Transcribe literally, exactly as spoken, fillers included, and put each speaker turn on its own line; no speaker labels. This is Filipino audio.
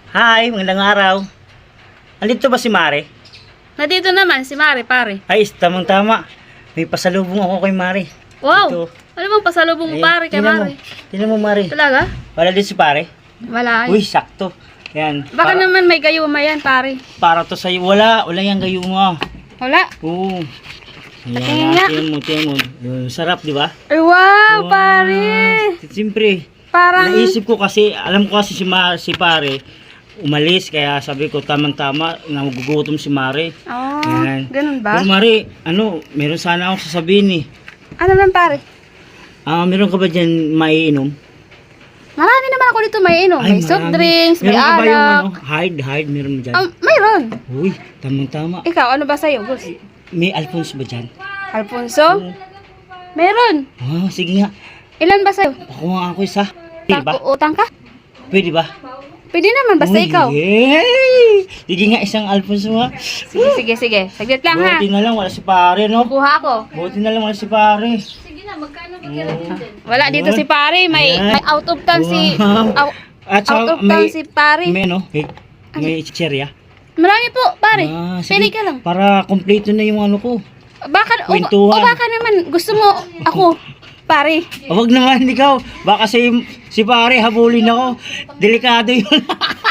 Hi, magandang araw. Andito ba si Mare?
Nandito naman si Mare, pare.
Ay, tamang-tama. May pasalubong ako kay Mare.
Wow!
Ito.
Ano bang pasalubong mo,
Ay,
pare, kay
tingnan
Mare?
Mo. Tingnan mo, Mare.
Talaga?
Wala din si Pare.
Wala.
Uy, sakto. Yan.
Baka
para,
naman may gayuma yan, pare.
para to sa'yo. Wala. Wala yung gayuma.
Wala.
Oo.
Tingnan nga.
Ayan, tingnan mo, tingnan mo. Yung sarap, di ba?
Ay, wow, pare!
Siyempre.
Parang...
Naisip ko kasi, alam ko kasi si, Ma, si Pare, umalis. Kaya sabi ko, tamang-tama, nagugutom si Mare.
Oh,
Yan.
ganun ba?
Pero Mare, ano, meron sana akong sasabihin eh.
Ano man, pare?
Ah, meron ka ba dyan maiinom?
Marami naman ako dito may inom. May soft
marami.
drinks, may
meron ka ba yung
alak.
ano, hard, hard, meron mo dyan?
Um, mayroon.
Uy, tamang-tama.
Ikaw, ano ba sa'yo, Gus?
May Alphonse ba dyan?
Alfonso? Meron.
Ah, sige nga.
Ilan ba sa'yo?
Ako nga ako isa. Pwede ba?
Utang ka?
Pwede ba?
Pwede naman, basta
Uy,
ikaw.
Yay! Sige nga, isang Alphonse nga.
Sige, sige, sige. Saglit lang, ha?
Buti na lang, wala si Pare, no?
Kuha ako.
Buti na lang, wala si Pare.
Wala dito si pare, may,
Ayan.
may out of town si
Wow.
out,
At
out
saka
of town
may,
si pare.
may ano, may, may chicherya.
Marami po, pare.
Ah,
Pili
sige.
ka lang.
Para kompleto na yung ano ko.
Baka o, o
Kwentuhan.
baka naman gusto mo ako, pare.
O, wag naman ikaw. Baka si, si Pare habulin ako. Delikado yun.